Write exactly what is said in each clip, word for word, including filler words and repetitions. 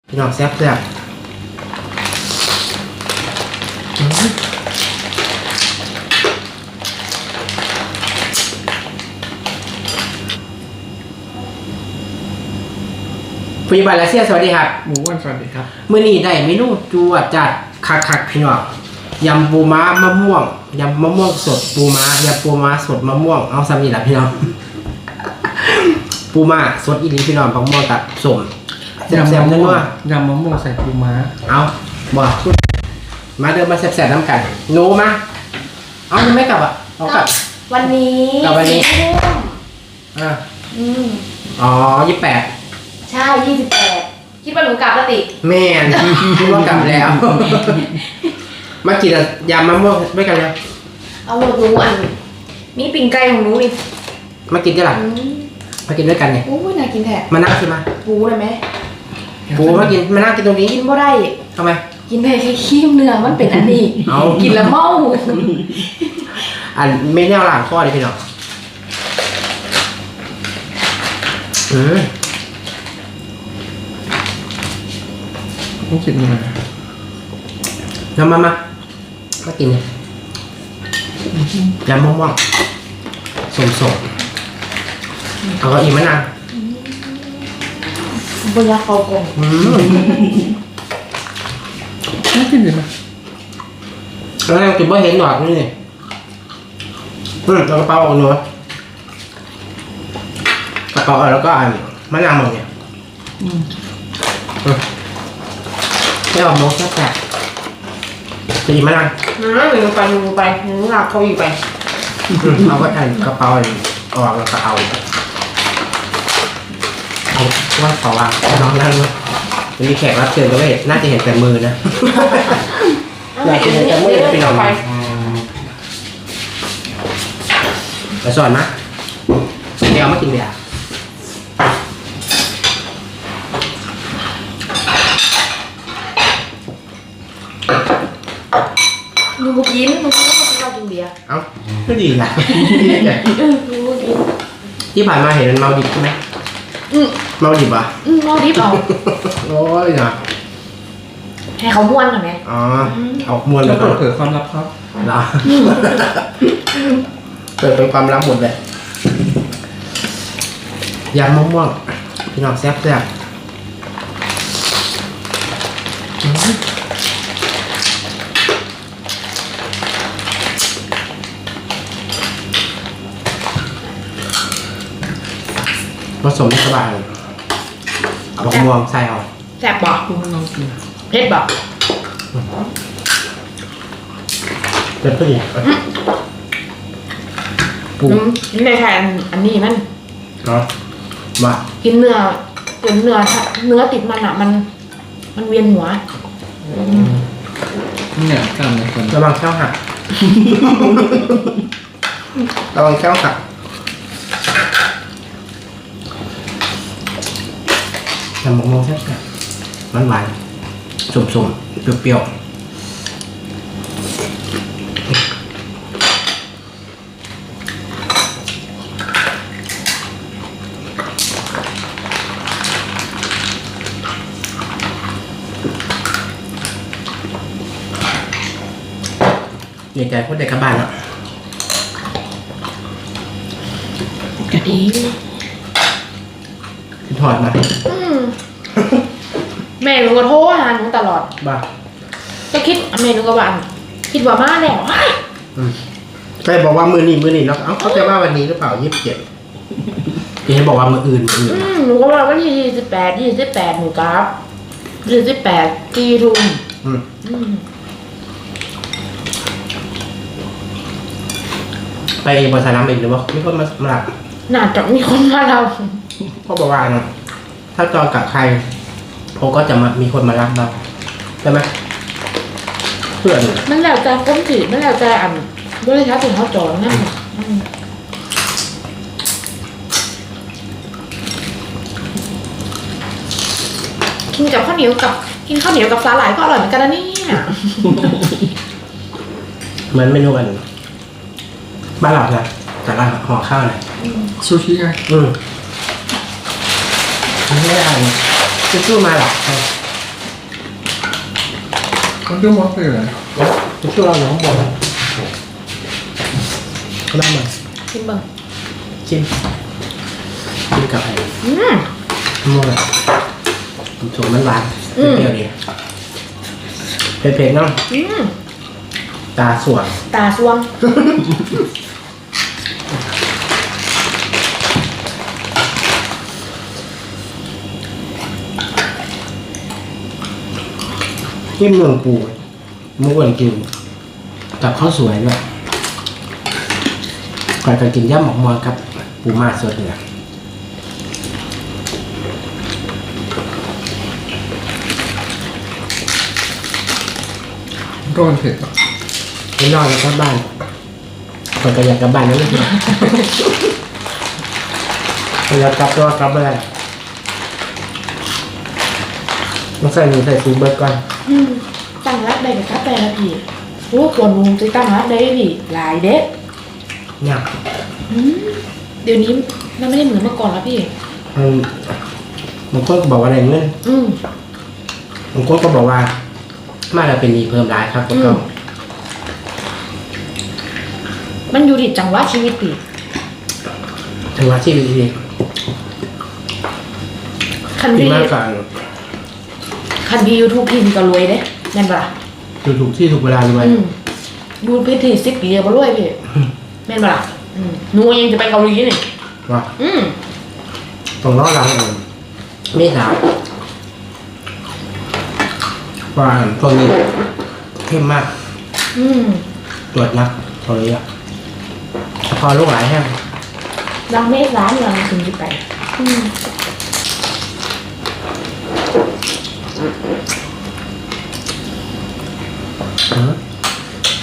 พี่น้องแซ่บแซ่บผู้ใหญ่บ้านรัสเซียสวัสดีครับหมูอ้วนสวัสดีครับมื้อนี้ได้เมนูจวดจัดคักๆพี่น้องยำปูม้ามะม่วงยำมะม่วงสดปูม้ายำปูม้าสดมะม่วงเอาซ้ำนี่แหละพี่น้องปูม้าสดอีหลีพี่น้องมะม่วงกับส้มแซ่บๆนัวยำมะม่วงใส่ปูม้าเอาบ่มาเดินมาแซ่บๆน้ำกันหนูมาเอายังไม่กลับอ่ะเอากลับวันนี้กลับวันนี้อ่าอืมอ๋อยี่สิบแปดใช่ยี่สิบแปดคิดว่าหนูกลับแล้วติแม่นคิดว่ากลับแล้วมากินยำมะม่วงด้วยกันเลยเอาหมดหนูอันนี่ปิ่งไก่ของหนูนี่มากินกันหรอมากินด้วยกันเนี่ยโอ้ยน่ากินแท้มานั่งสิมาปูได้ไหมปูมากินมานั่งกินตรงนี้กินบ่ได้ทำไมกินได้แค่ขี้เนื้อมันเป็นอันนี้กินแล้วเมาอันไม่แนวหลังข้อเลยพี่น้องอืมต้องกินยังไงน้ำมามามากินเลยยำมะม่วงสดๆเอาก็อีกมะนาวบนยาเขากงน่ากินดีไหมแล้วเรากินบ่เห็นหนอดนี่นี่อืมกระเป๋าออกหนูกระเป๋าออกแล้วก็อันมะนาวหมดเนี่ยอืมไม่ออกโมกแค่จะดีมะนาวน้าหนูไปหนูไปหนูหลับเขาอยู่ไปเอาก็อันกระเป๋าออกแล้วก็เอาเอาว่าขอวางน้องนั่งเลยมีแขกรับเชิญก็ไม่น่าจะเห็นแต่มือนะอยากจะเห็นแต่มือไปหน่อยไปสอนนะเดี๋ยวมากินเบียร์หนูบุกินหนูคิดว่าเขากินเบียร์เอ้าก็ดีนะหนูบุกินที่ผ่านมาเห็นมันเมาดิบใช่ไหมเมาดิบอ่ะเมาดิบเอาโอ้ยนะให้เขาม้วนหน่อยไหมอ๋อเอาม้วนแล้วเปิดเผยความลับครับเหรอเปิดเป็นความลับหมดเลยยำมะม่วงพี่น้องแซ่บแซ่บผสมสบายเอามะม่วงใส่เอาแซ่บบอกเผ็ดบอกเผ็ดพอดีปูนี่ในแทนอันนี้มันเนาะมากินเนื้อกินเนื้อเนื้อติดมันอ่ะมันมันเวียนหัวเนี่ยกล้ามในคนระวังแข้วหักระวังแข้วหักทำมะม่วงแซ่บๆหวานๆสุ่มๆเปรี้ยวๆดีใจพูดเด็กกลับบ้านแล้วกะดีคิดถอดมาแม่หนูก็โทรหาหนูตลอดบ้าก็คิดแม่หนูก็ว่าคิดว่ามาแล้วใครบอกว่ามือนี่มือนี่แล้วเขาจะว่าวันนี้หรือเปล่ายี่สิบเจ็ดที่ให้บอกว่ามืออื่นอื่นหนูก็ว่าวันที่ยี่สิบแปดยี่สิบแปดหนูกราฟยี่สิบแปดตีทุ่มไปเองบนสนามบินหรือว่ามีคนมามาหลับน่าจะมีคนมาเราเขาบอกว่านะถ้าจองกับใครเขาก็จะมามีคนมารับเราใช่ไหมเพื่อนมันแล้วแต่ก้มจีมันแล้วแต่อ่ำด้วยช้าถึงเขาจองนั่นกินกับข้าวเหนียวกับกินข้าวเหนียวกับสาหร่ายก็อร่อยเหมือนกันนะนี่เหมือนเมนูกันบ้านเรานะแต่ละห่อข้าวเลยซูชิไงอืมไม่ได้จะสู้มาหรอเรื่องมอสเลยเหรอจะช่วยเราอยู่ข้างบนก็ได้มาชิมเบิ่งชิมชิมกับไอ้อืมมะม่วงสูงมันหวานอืมเปรี้ยวดีเผ็ดๆเนาะอืมตาสวยตาสวงเยี่ยมเมืองปูเมื่อวันกินกับข้าวสวยด้วยก่อนจะกินย่ำหมกมอนครับปูมาสดเนี่ยก็มันเผ็ดอ่ะไม่นอนแล้วกลับบ้านก่อนจะอยากกลับบ้านนั่นเลยอยากกลับก็กลับไปเลยต้องใส่หนูใส่ซูเบิร์ตก่อนอืมตั้งรับได้กับกาแฟละพี่โอ้คนมุงจะตั้งรับได้พี่หลายเด็ดเนี่ยอืมเดี๋ยวนี้มันไม่ได้เหมือนเมื่อก่อนแล้วพี่มันบางคนก็บอกว่าอะไรเงี้ยอืมบางคนก็บอกว่ามาแล้วเป็นดีเพิ่มร้ายครับก็อืม มันอยู่ที่จังหวะชีวิตพี่ถือว่าชีวิตดีคันดีพี่มากกว่าคันพี่ยูทูบพี่ก็รวยเด้แม่นปะล่ะอยู่ถูกที่ถูกเวลาด้วยอืมดูเพจที่สิบปีก็รวยพี่แม่นปะล่ะอืมหนูยังจะไปเกาหลีนี่ว่าอืมต้องรอรังเองไม่ถามว่าพวกนี้เข้มมากอืมตรวจนักเท่านี้อ่ะพอลูกหลายแห้งรังเมษร้านเราถึงจะไปอืมแต่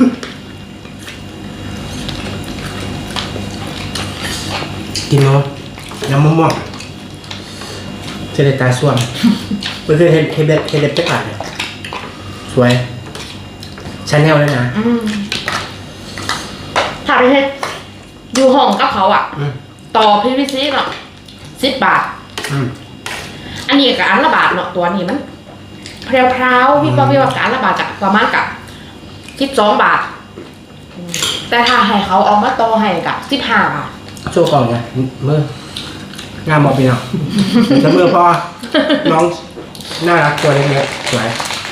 กินเนาะยำมะม่วงเจเดตาส่วมเพื่อนเฮดเฮดเฮดเด็ดเป๊ะปากเลยสวยชาแนลเลยนะอืมถ้าไปเฮ็ดอยู่ห้องกับเขาอ่ะอืมต่อ พี วี ซี เนาะสิบบาทอืมอันนี้กับอันละบาทเนาะตัวนี้มันเพรียวพราวๆพี่ป้าพี่ว่ากับอันละบาทกับประมาณกับสิบสองบาทอืมแต่ถ้าให้เขาเอามาต่อให้กับสิบห้าบาทโชว์กล่องไงมืองามบอกพี่น้องแต่มือพอน้องน่ารักตัวเล็กๆสวย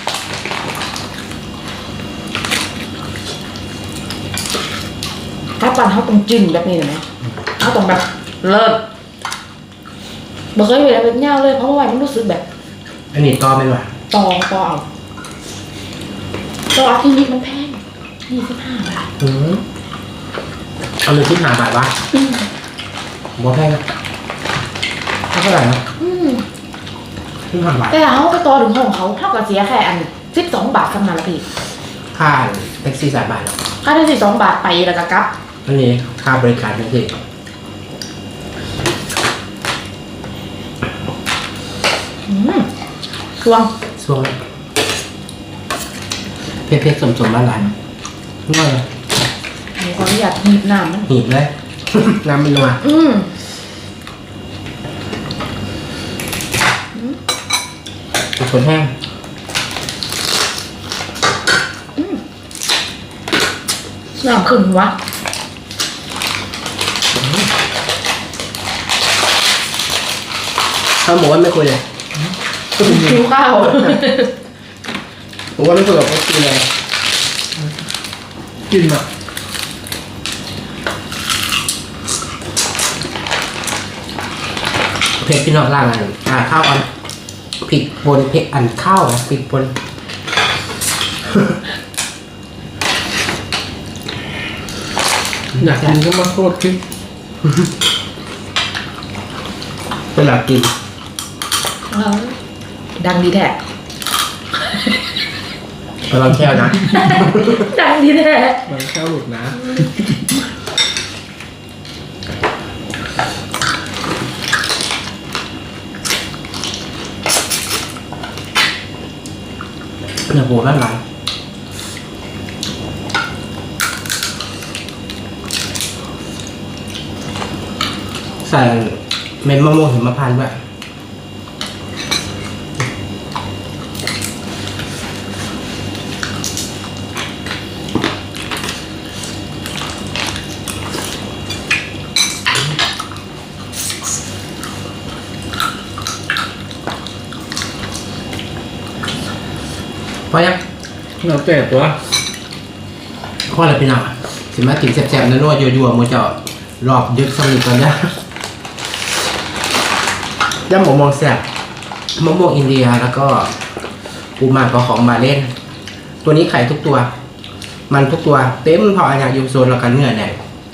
ถ้าปันเขาต้องจิ้มแบบนี้เลยไหมเขาต้องแบบเลิศบ่เคยเห็นอะไรเป็นเงาเลยเพราะว่ามันรู้สึกแบบอันนี้ต่อไม่ไหวต่อต่อเอาต่ออาทิตย์นี้มันแพงยี่สิบห้าบาทอืมเอาเลยที่หาบาทวะอืมบ่แพงนะเท่าไหร่นะอืมที่หาบาทแต่เขาไปต่อถึงห้องเขาเท่ากับเสียแค่อันสิบสองบาทสำนักละพี่ค่าแท็กซี่สายบาทหรอกค่าที่สิบสองบาทไปแล้วก็กลับอันนี้ค่าบริการแท็กซี่อืมช่วงช่วงเพชรเพชรสมสมบ้านหลานง่ายเลยหนูขออนุญาตหยิบน้ำมันหีบเลย น้ำมันนัวอืมเป็นคนแห้งน้ำขึ้นวะถ้าหมูว่าไม่คุยเลยหิวข้าวหมูว่าไม่คุยกับเขาคุยเลยกินอ่ะเผ็ดพี่น้องล่างอันอ่าข้าวอันผิดบนเผ็ดอันข้าวนะผิดบนอยากกินก็มาโคตรขึ้นเวลากินเออดังดีแท้ไปลองแค่นะดังดีแท้มันแค่หลุดนะเนื้อหมูด้านหลังใส่เม็ดมะม่วงหิมพานต์ด้วยอยังเราแต่ตัวพ่ออะไรพี่น้องสิมากินแซ่บๆนัวๆยั่วๆมือเจาะรอบยึดสนิทก่อนนะย่ำหมูมองแซ่บมะม่วงอินเดียแล้วก็ปูหมากก็ของมาเล่น ตัวนี้ไข่ทุกตัว มันทุกตัวเต็มพออันอยากอยู่โซนแล้วกันเนื้อเนี่ย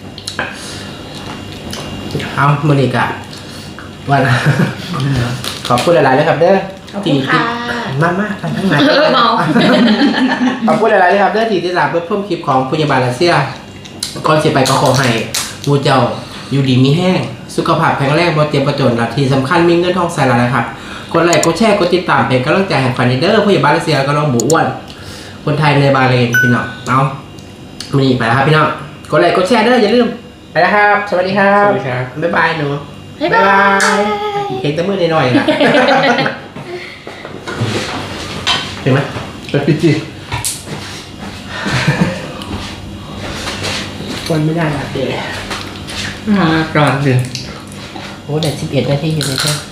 เอามือนี้กะวัน ขอบคุณหลายๆเลยครับเด้อขอบคุณค่ะมากมากทั้งนั้นเออเมาขอบคุณหลายๆเลยครับเด้อที่ติดตามเพื่อเพิ่มคลิปของพยาบาลรัสเซียก่อนเสียไปก็ขอให้มูเจ้าอยู่ดีมีแห้งสุขภาพแข็งแรงบ่เจ็บบ่จนและที่สำคัญมีเงินทองใส่ละนะครับกดไลค์กดแชร์กดติดตามเป็นกำลังใจให้ฟันเดอร์พยาบาลรัสเซียก็น้องหมูอ้วนคนไทยในบาห์เรนพี่น้องเอาวันนี้ไปแล้วครับพี่น้องกดไลค์กดแชร์เด้ออย่าลืมไปแล้วครับ สวัสดีครัสบวัสดีครับบ๊ายบายหนูบ๊ายบายเห็นแต่มือหน่อยๆนะ เห็นไหมไปปิจิวันไม่ได้ละเดี๋ยวมาก่อนสิโอ้แต่สิบเอ็ดนาทีอยู่เลยใช่ไหม